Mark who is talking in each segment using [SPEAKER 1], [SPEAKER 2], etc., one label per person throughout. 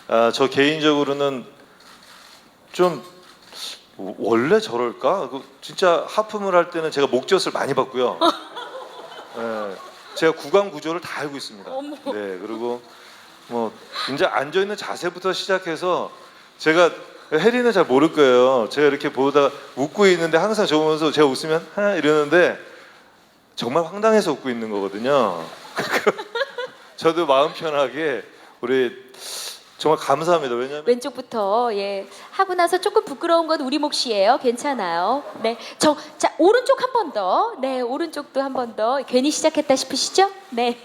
[SPEAKER 1] 저 개인적으로는 좀 원래 저럴까? 진짜 하품을 할 때는 제가 목젖을 많이 봤고요. 예, 제가 구강 구조를 다 알고 있습니다.
[SPEAKER 2] 어머.
[SPEAKER 1] 네, 그리고 뭐 이제 앉아 있는 자세부터 시작해서 제가 혜리는 잘 모를 거예요. 제가 이렇게 보다 웃고 있는데 항상 저 보면서 제가 웃으면 하 이러는데 정말 황당해서 웃고 있는 거거든요. 저도 마음 편하게 우리 정말 감사합니다. 왜냐면
[SPEAKER 2] 왼쪽부터 하고 나서 조금 부끄러운 건 우리 몫이에요. 괜찮아요. 네, 자 오른쪽 한 번 더. 네, 오른쪽도 한 번 더. 괜히 시작했다 싶으시죠? 네.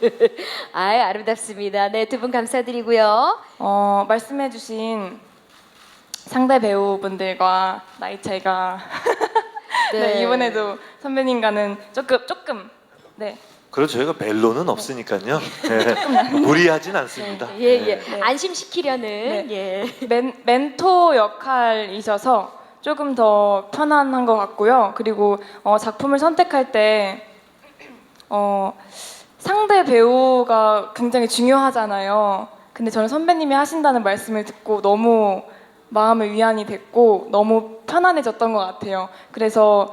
[SPEAKER 2] 아름답습니다. 네, 두 분 감사드리고요.
[SPEAKER 3] 말씀해주신 상대 배우분들과 나이 차이가 네, 이번에도 선배님과는 조금 네.
[SPEAKER 1] 그렇죠. 저희가 멜로는 없으니까요. 네, 무리하진 않습니다.
[SPEAKER 2] 네.
[SPEAKER 3] 네.
[SPEAKER 2] 안심시키려는
[SPEAKER 3] 네. 멘토 역할이셔서 조금 더 편안한 것 같고요. 그리고 작품을 선택할 때 상대 배우가 굉장히 중요하잖아요. 근데 저는 선배님이 하신다는 말씀을 듣고 너무 마음의 위안이 됐고 너무 편안해졌던 것 같아요. 그래서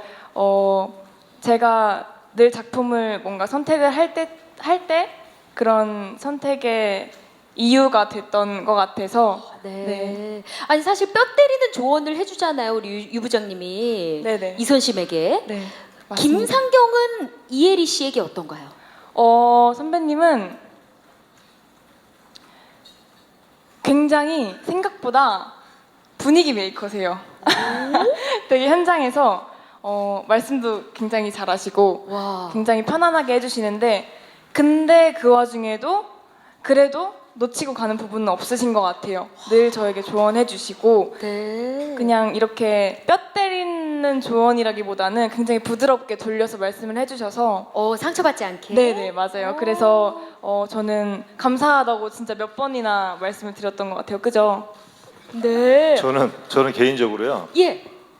[SPEAKER 3] 제가 늘 작품을 뭔가 선택을 할 때 그런 선택의 이유가 됐던 것 같아서
[SPEAKER 2] 네. 아니 사실 뼈 때리는 조언을 해주잖아요. 우리 유 부장님이
[SPEAKER 3] 네네.
[SPEAKER 2] 이선심에게.
[SPEAKER 3] 네, 맞습니다.
[SPEAKER 2] 김상경은 이혜리 씨에게 어떤가요?
[SPEAKER 3] 선배님은 굉장히 생각보다 분위기 메이커세요. 되게 현장에서 말씀도 굉장히 잘하시고
[SPEAKER 2] 와.
[SPEAKER 3] 굉장히 편안하게 해주시는데 근데 그 와중에도 그래도 놓치고 가는 부분은 없으신 것 같아요. 늘 저에게 조언해 주시고
[SPEAKER 2] 네.
[SPEAKER 3] 그냥 이렇게 뼈 때리는 조언이라기보다는 굉장히 부드럽게 돌려서 말씀을 해주셔서
[SPEAKER 2] 상처받지 않게.
[SPEAKER 3] 네네 맞아요. 그래서 저는 감사하다고 진짜 몇 번이나 말씀을 드렸던 것 같아요. 그죠?
[SPEAKER 2] 네.
[SPEAKER 1] 저는 개인적으로요.
[SPEAKER 2] 예.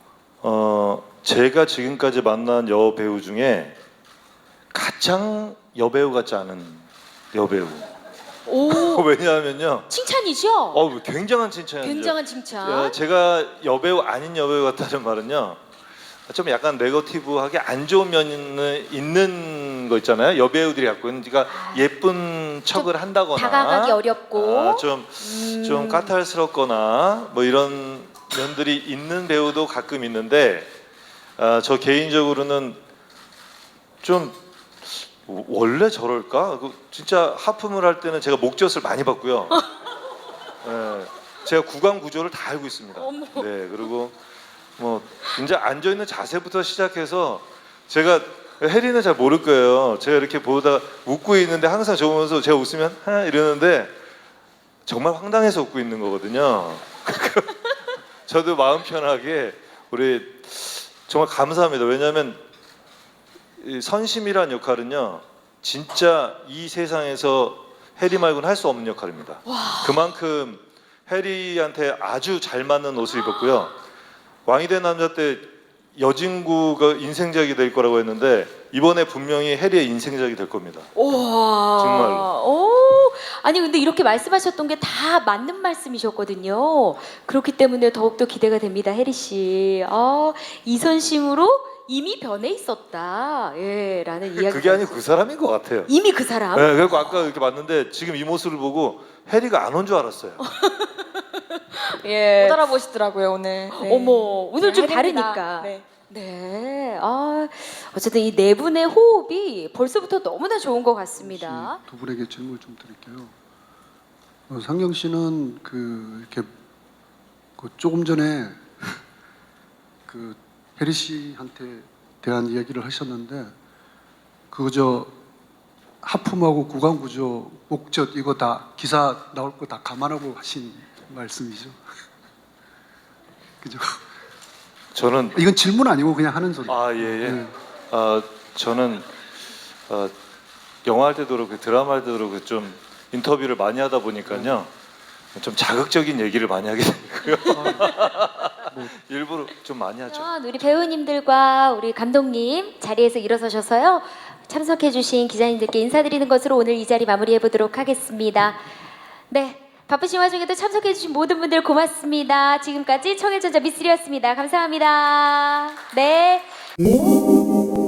[SPEAKER 1] 제가 지금까지 만난 여배우 중에 가장 여배우 같지 않은 여배우.
[SPEAKER 2] 오.
[SPEAKER 1] 왜냐하면요.
[SPEAKER 2] 칭찬이죠?
[SPEAKER 1] 굉장한 칭찬이죠.
[SPEAKER 2] 굉장한 칭찬.
[SPEAKER 1] 제가 여배우 아닌 여배우 같다는 말은요. 좀 약간 네거티브하게 안 좋은 면이 있는 거 있잖아요. 여배우들이 갖고 있는 그러니까 예쁜 척을 한다거나
[SPEAKER 2] 다가가기 어렵고
[SPEAKER 1] 좀 까탈스럽거나 뭐 이런 면들이 있는 배우도 가끔 있는데 저 개인적으로는 좀 원래 저럴까? 진짜 하품을 할 때는 제가 목젖을 많이 봤고요. 예, 제가 구강 구조를 다 알고 있습니다.
[SPEAKER 2] 어머.
[SPEAKER 1] 네, 그리고 뭐 이제 앉아 있는 자세부터 시작해서 제가 혜리는 잘 모를 거예요. 제가 이렇게 보다 웃고 있는데 항상 저 보면서 제가 웃으면 하 이러는데 정말 황당해서 웃고 있는 거거든요. 저도 마음 편하게 우리 정말 감사합니다. 왜냐하면 이 선심이란 역할은요 진짜 이 세상에서 해리 말고는 할 수 없는 역할입니다. 그만큼 해리한테 아주 잘 맞는 옷을 입었고요. 왕이 된 남자 때 여진구가 인생작이 될 거라고 했는데 이번에 분명히 해리의 인생작이 될 겁니다.
[SPEAKER 2] 우와.
[SPEAKER 1] 정말로.
[SPEAKER 2] 오. 아니 근데 이렇게 말씀하셨던 게 다 맞는 말씀이셨거든요. 그렇기 때문에 더욱더 기대가 됩니다. 혜리 씨. 이선심으로 이미 변해 있었다. 예, 라는 이야기.
[SPEAKER 1] 그게 아니고 그 사람인 것 같아요.
[SPEAKER 2] 이미 그 사람.
[SPEAKER 1] 네, 그리고 아까 이렇게 봤는데 지금 이 모습을 보고 해리가 안 온 줄 알았어요.
[SPEAKER 3] 못 알아보시더라고요 오늘. 네.
[SPEAKER 2] 어머, 오늘 좀
[SPEAKER 3] 혜리입니다.
[SPEAKER 2] 다르니까.
[SPEAKER 3] 네.
[SPEAKER 2] 네. 어쨌든 이 네 분의 호흡이 벌써부터 너무나 좋은 것 같습니다.
[SPEAKER 4] 두 분에게 질문을 좀 드릴게요. 상경 씨는 이렇게 조금 전에 혜리 씨한테 대한 이야기를 하셨는데 그저 하품하고 구강 구조, 목젖 이거 다 기사 나올 거 다 감안하고 하신 말씀이죠. 그죠?
[SPEAKER 1] 저는
[SPEAKER 4] 이건 질문 아니고 그냥 하는 소리.
[SPEAKER 1] 예.
[SPEAKER 4] 네.
[SPEAKER 1] 저는 영화 할 때도 그렇고 드라마 할 때도 그렇고 좀 인터뷰를 많이 하다 보니까요 좀 자극적인 얘기를 많이 하게 되고요. 일부러 좀 많이 하죠.
[SPEAKER 2] 우리 배우님들과 우리 감독님 자리에서 일어서셔서요 참석해주신 기자님들께 인사드리는 것으로 오늘 이 자리 마무리해 보도록 하겠습니다. 네, 바쁘신 와중에도 참석해주신 모든 분들 고맙습니다. 지금까지 청일전자 미쓰리였습니다. 감사합니다. 네.